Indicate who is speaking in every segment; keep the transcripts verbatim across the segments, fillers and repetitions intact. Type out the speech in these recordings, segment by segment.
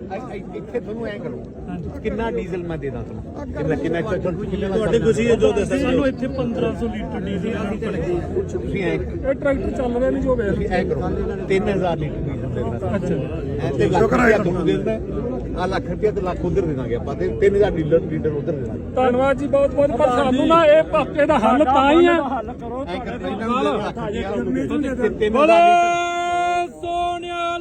Speaker 1: ਇੱਥੇ ਤੁਹਾਨੂੰ ਐ ਕਰੋ ਕਿੰਨਾ ਡੀਜ਼ਲ ਮੈਂ ਦੇ ਦਾਂ ਤੁਹਾਨੂੰ ਕਿੰਨਾ ਕਿੰਨਾ
Speaker 2: ਤੁਹਾਡੇ ਖੁਸ਼ੀ ਹੈ ਜੋ ਦੱਸਿਆ
Speaker 3: ਸਾਨੂੰ ਇੱਥੇ ਪੰਦਰਾਂ ਸੌ ਲੀਟਰ ਡੀਜ਼ਲ
Speaker 1: ਤੁਸੀਂ ਐ
Speaker 3: ਇਹ ਟਰੈਕਟਰ ਚੱਲ ਰਿਹਾ ਨਹੀਂ ਜੋ ਵੇਖ
Speaker 1: ਤੁਸੀਂ ਐ ਕਰੋ ਤਿੰਨ ਹਜ਼ਾਰ ਲੀਟਰ ਡੀਜ਼ਲ ਦੇਣਾ
Speaker 3: ਅੱਛਾ
Speaker 1: ਐ ਤੇ ਲੱਖ ਰੁਪਇਆ ਤੁਹਾਨੂੰ ਦੇ ਦਿੰਦਾ ਆ ਲੱਖ ਰੁਪਇਆ ਤੇ ਲੱਖ ਉਧਰ ਦੇ ਦਾਂਗੇ ਆਪਾਂ ਤੇ ਤਿੰਨ ਹਜ਼ਾਰ ਲੀਟਰ ਲੀਟਰ ਉਧਰ ਦੇ ਦਾਂਗੇ।
Speaker 3: ਧੰਨਵਾਦ ਜੀ ਬਹੁਤ ਬਹੁਤ ਪਰ ਸਾਨੂੰ ਨਾ ਇਹ ਪਾਪੇ ਦਾ ਹੱਲ ਤਾਂ ਹੀ ਹੈ
Speaker 1: ਐ ਕਰਦੇ ਤਿੰਨ
Speaker 3: ਬੋਲੇ
Speaker 1: ਹਜ਼ਾਰ
Speaker 3: ਸੋਨਿਆਲ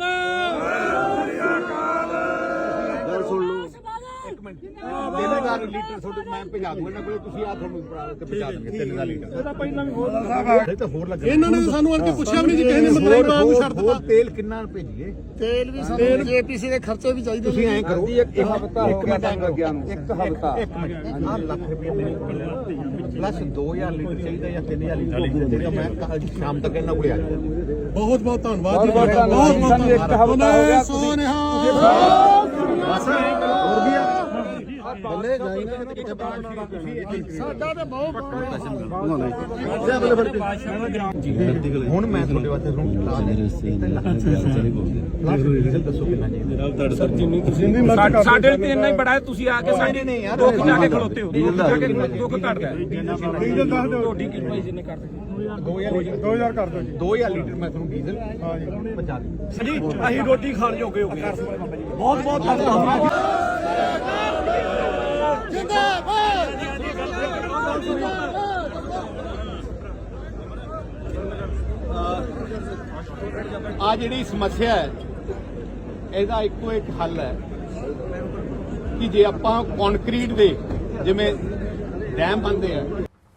Speaker 1: ਗੱਲ ਸੁਣ ਲਓ ਇੱਕ ਮਿੰਟ ਤਿੰਨ ਹਜ਼ਾਰ ਲੀਟਰ ਤੁਹਾਡੇ ਮੈਂ ਭਜਾ ਦੂੰਗਾ ਇਹਨਾਂ ਕੋਲੇ ਤੁਸੀਂ ਆ ਤੁਹਾਨੂੰ ਤੇ ਪਹੁੰਚਾ ਦੇਣਗੇ ਤਿੰਨ ਹਜ਼ਾਰ ਲੀਟਰ
Speaker 3: ਇਹਦਾ ਪਹਿਲਾਂ ਵੀ ਹੋਰ
Speaker 1: ਇਹ ਤਾਂ ਹੋਰ ਲੱਗਣਾ
Speaker 4: ਇਹਨਾਂ ਨੇ ਸਾਨੂੰ ਅਰਕੇ ਪੁੱਛਿਆ ਵੀ ਨਹੀਂ ਜੀ ਕਿਸੇ ਨੇ ਮਤਲਬ ਆਪ ਛੱਡ ਦਿੱਤਾ
Speaker 1: ਤੇਲ ਕਿੰਨਾ ਭੇਜੀਏ
Speaker 4: ਤੇਲ ਵੀ ਸਾਨੂੰ ਜੇਪੀਸੀ ਦੇ ਖਰਚੇ ਵੀ ਚਾਹੀਦੇ
Speaker 1: ਤੁਸੀਂ ਐਂ ਕਰੋ ਇੱਕ ਹਫਤਾ ਇੱਕ ਮਿੰਟ ਟਾਈਮ ਲੱਗਿਆ ਨੂੰ ਇੱਕ ਹਫਤਾ ਇੱਕ ਮਿੰਟ ਆਹ ਲੱਖ ਰੁਪਏ ਮੇਰੇ ਕੋਲ ਪਲੱਸ ਦੋ ਹਜ਼ਾਰ ਲੀਟਰ ਚਾਹੀਦਾ ਜਾਂ ਤਿੰਨ ਹਜ਼ਾਰ ਲੀਟਰ ਜਿਹੜਾ ਮੈਂ ਕੱਲ੍ਹ ਸ਼ਾਮ ਤੱਕ ਇਹਨਾਂ ਕੋਲੇ ਆ ਜਾਊਂਗਾ।
Speaker 4: ਬਹੁਤ ਬਹੁਤ ਧੰਨਵਾਦ ਜੀ ਤੁਹਾਡਾ ਬਹੁਤ ਬਹੁਤ ਧੰਨਵਾਦ ਸੋਨਿਹਾ
Speaker 1: ਹੋਰ ਵੀ ਆ
Speaker 4: ਬੱਲੇ ਜਾਈ ਨਾ ਸਾਡਾ ਤੇ ਬਹੁਤ
Speaker 1: ਹੁਣ ਮੈਂ ਤੁਹਾਡੇ ਵਾਸਤੇ ਤੁਹਾਨੂੰ ਡੀਜ਼ਲ ਦੱਸੋ ਕਿੰਨਾ ਜੀ
Speaker 2: ਸਰ ਜਿੰਨੀ ਤੁਸੀਂ
Speaker 3: ਸਾਡੇ ਤੇ ਇੰਨਾ ਹੀ ਬੜਾ ਹੈ ਤੁਸੀਂ ਆ ਕੇ ਸਾਡੇ
Speaker 1: ਨਹੀਂ ਯਾਰ
Speaker 3: ਦੁੱਖ ਜਾ ਕੇ ਖਲੋਤੇ ਹੋ ਜਾ ਕੇ ਦੁੱਖ ਘਟਦਾ
Speaker 4: ਡੀਜ਼ਲ ਦੱਸ ਦਿਓ
Speaker 3: ਤੁਹਾਡੀ ਕੀ ਭਾਈ ਜੀ ਨੇ ਕਰ
Speaker 1: ਦੋ ਹਜ਼ਾਰ ਕਰ ਦਿਓ ਜੀ ਦੋ ਹਜ਼ਾਰ ਲੀਟਰ ਮੈਂ ਤੁਹਾਨੂੰ ਡੀਜ਼ਲ ਹਾਂ ਜੀ ਪਹੁੰਚਾ ਦਿੰਦਾ।
Speaker 3: ਸਜੀ ਅਸੀਂ ਰੋਟੀ ਖਾਣ ਜੋਗੇ ਹੋ ਗਏ ਬਹੁਤ ਬਹੁਤ ਧੰਨਵਾਦ
Speaker 1: ਆ ਜਿਹੜੀ ਸਮੱਸਿਆ ਹੈ ਇਹਦਾ ਇੱਕੋ ਇੱਕ ਹੱਲ ਹੈ ਕਿ ਜੇ ਆਪਾਂ ਕੰਕਰੀਟ ਦੇ ਜਿਵੇਂ ਡੈਮ ਬਣਦੇ ਆ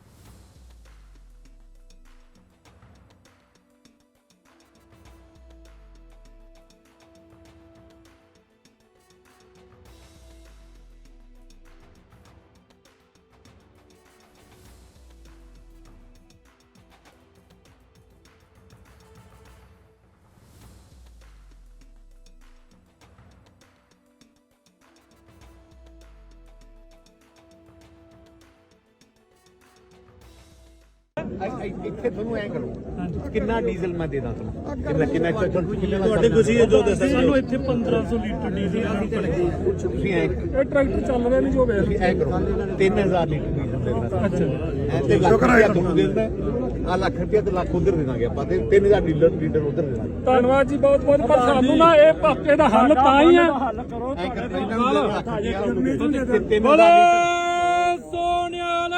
Speaker 1: ਇੱਥੇ ਤੁਹਾਨੂੰ ਐ ਕਰੋ ਕਿੰਨਾ ਡੀਜ਼ਲ ਮੈਂ ਦੇ ਦਾਂ ਤੁਹਾਨੂੰ ਕਿੰਨਾ ਕਿੰਨਾ
Speaker 2: ਤੁਹਾਡੇ ਖੁਸ਼ੀ ਹੈ ਜੋ ਦੱਸਿਆ
Speaker 3: ਸਾਨੂੰ ਇੱਥੇ ਪੰਦਰਾਂ ਸੌ ਲੀਟਰ ਡੀਜ਼ਲ
Speaker 1: ਤੁਸੀਂ ਐ
Speaker 3: ਇਹ ਟਰੈਕਟਰ ਚੱਲ ਰਿਹਾ ਨਹੀਂ ਜੋ ਵੇਖ
Speaker 1: ਤੁਸੀਂ ਐ ਕਰੋ ਤਿੰਨ ਹਜ਼ਾਰ ਲੀਟਰ ਡੀਜ਼ਲ ਦੇਣਾ
Speaker 3: ਅੱਛਾ
Speaker 1: ਐ ਤੇ ਲੱਖ ਰੁਪਇਆ ਤੁਹਾਨੂੰ ਦੇ ਦਿੰਦਾ ਆ ਲੱਖ ਰੁਪਇਆ ਤੇ ਲੱਖ ਉਧਰ ਦੇ ਦਾਂਗੇ ਆਪਾਂ ਤੇ ਤਿੰਨ ਹਜ਼ਾਰ ਲੀਟਰ ਲੀਟਰ ਉਧਰ ਦੇ ਦਾਂਗੇ।
Speaker 3: ਧੰਨਵਾਦ ਜੀ ਬਹੁਤ ਬਹੁਤ ਪਰ ਸਾਨੂੰ ਨਾ ਇਹ ਪਾਪੇ ਦਾ ਹੱਲ ਤਾਂ ਹੀ ਹੈ
Speaker 1: ਐ ਕਰਦੇ ਤਿੰਨ
Speaker 3: ਬੋਲੇ
Speaker 1: ਹਜ਼ਾਰ
Speaker 3: ਸੋਨਿਆਲ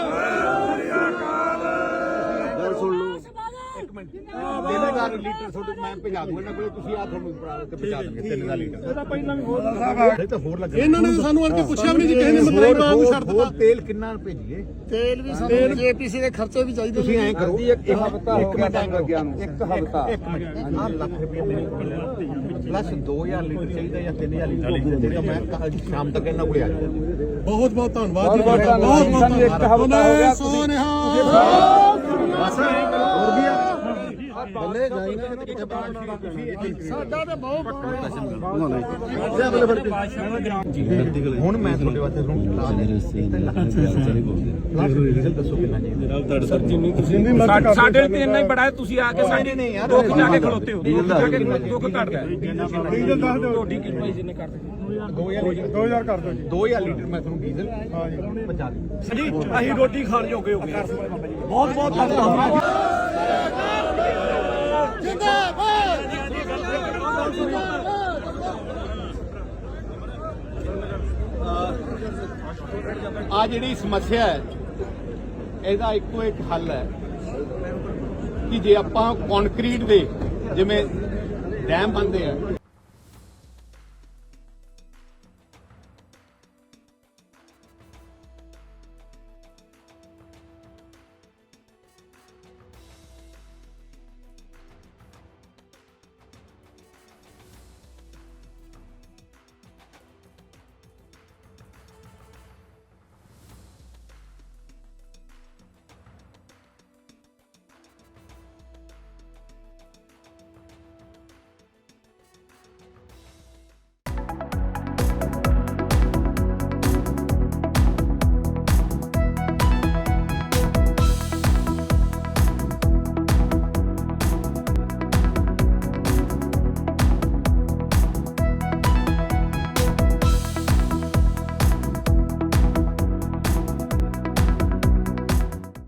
Speaker 1: ਗੱਲ ਸੁਣ ਲਓ ਇੱਕ ਮਿੰਟ ਤਿੰਨ ਹਜ਼ਾਰ ਲੀਟਰ ਤੁਹਾਡੇ ਮੈਂ ਭਜਾ ਦੂੰਗਾ ਇਹਨਾਂ ਕੋਲੇ ਤੁਸੀਂ ਆ ਤੁਹਾਨੂੰ ਤੇ ਪਹੁੰਚਾ ਦੇਣਗੇ ਤਿੰਨ ਹਜ਼ਾਰ ਲੀਟਰ
Speaker 3: ਇਹਦਾ ਪਹਿਲਾਂ ਵੀ ਹੋਰ
Speaker 1: ਇਹ ਤਾਂ ਹੋਰ ਲੱਗਣਾ
Speaker 4: ਇਹਨਾਂ ਨੇ ਸਾਨੂੰ ਅਰਕੇ ਪੁੱਛਿਆ ਵੀ ਨਹੀਂ ਜੀ ਕਿਸੇ ਨੇ ਮਤਲਬ ਆਪ ਛੱਡ ਦਿੱਤਾ
Speaker 1: ਤੇਲ ਕਿੰਨਾ ਭੇਜੀਏ
Speaker 4: ਤੇਲ ਵੀ ਸਾਨੂੰ ਜੇਪੀਸੀ ਦੇ ਖਰਚੇ ਵੀ ਚਾਹੀਦੇ
Speaker 1: ਤੁਸੀਂ ਐਂ ਕਰੋ ਇੱਕ ਹਫਤਾ ਇੱਕ ਮਿੰਟ ਟਾਈਮ ਲੱਗਿਆ ਨੂੰ ਇੱਕ ਹਫਤਾ ਇੱਕ ਮਿੰਟ ਆਹ ਲੱਖ ਰੁਪਏ ਮੇਰੇ ਕੋਲ ਪਲੱਸ ਦੋ ਹਜ਼ਾਰ ਲੀਟਰ ਚਾਹੀਦਾ ਜਾਂ ਤਿੰਨ ਹਜ਼ਾਰ ਲੀਟਰ ਜਿਹੜਾ ਮੈਂ ਕੱਲ੍ਹ ਸ਼ਾਮ ਤੱਕ ਇਹਨਾਂ ਕੋਲੇ ਆ ਜਾਊਂਗਾ।
Speaker 4: ਬਹੁਤ ਬਹੁਤ ਧੰਨਵਾਦ ਜੀ ਤੁਹਾਡਾ ਬਹੁਤ ਬਹੁਤ ਧੰਨਵਾਦ ਸੋਨਿਹਾ
Speaker 1: ਹੋਰ ਵੀ ਆ
Speaker 4: ਬੱਲੇ ਜਾਈ ਨਾ ਸਾਡਾ ਤੇ ਬਹੁਤ
Speaker 1: ਹੁਣ ਮੈਂ ਤੁਹਾਡੇ ਵਾਸਤੇ ਤੁਹਾਨੂੰ ਡੀਜ਼ਲ ਦੱਸੋ ਕਿੰਨਾ ਜੀ
Speaker 2: ਸਰ ਜਿੰਨੀ ਤੁਸੀਂ
Speaker 3: ਸਾਡੇ ਤੇ ਇੰਨਾ ਹੀ ਬੜਾ ਹੈ ਤੁਸੀਂ ਆ ਕੇ ਸਾਡੇ
Speaker 1: ਨਹੀਂ ਯਾਰ
Speaker 3: ਦੁੱਖ ਜਾ ਕੇ ਖਲੋਤੇ ਹੋ ਜਾ ਕੇ ਦੁੱਖ ਘਟਦਾ
Speaker 4: ਡੀਜ਼ਲ ਦੱਸ ਦਿਓ
Speaker 3: ਤੁਹਾਡੀ ਕੀ ਭਾਈ ਜੀ ਨੇ ਕਰ
Speaker 1: ਦੋ ਹਜ਼ਾਰ ਕਰ ਦਿਓ ਜੀ ਦੋ ਹਜ਼ਾਰ ਲੀਟਰ ਮੈਂ ਤੁਹਾਨੂੰ ਡੀਜ਼ਲ ਹਾਂ ਜੀ ਪਹੁੰਚਾ ਦਿੰਦਾ।
Speaker 3: ਸਜੀ ਅਸੀਂ ਰੋਟੀ ਖਾਣ ਜੋਗੇ ਹੋ ਗਏ ਬਹੁਤ ਬਹੁਤ ਧੰਨਵਾਦ
Speaker 1: ਆ ਜਿਹੜੀ ਸਮੱਸਿਆ ਹੈ ਇਹਦਾ ਇੱਕੋ ਇੱਕ ਹੱਲ ਹੈ ਕਿ ਜੇ ਆਪਾਂ ਕੰਕਰੀਟ ਦੇ ਜਿਵੇਂ ਡੈਮ ਬਣਦੇ ਆ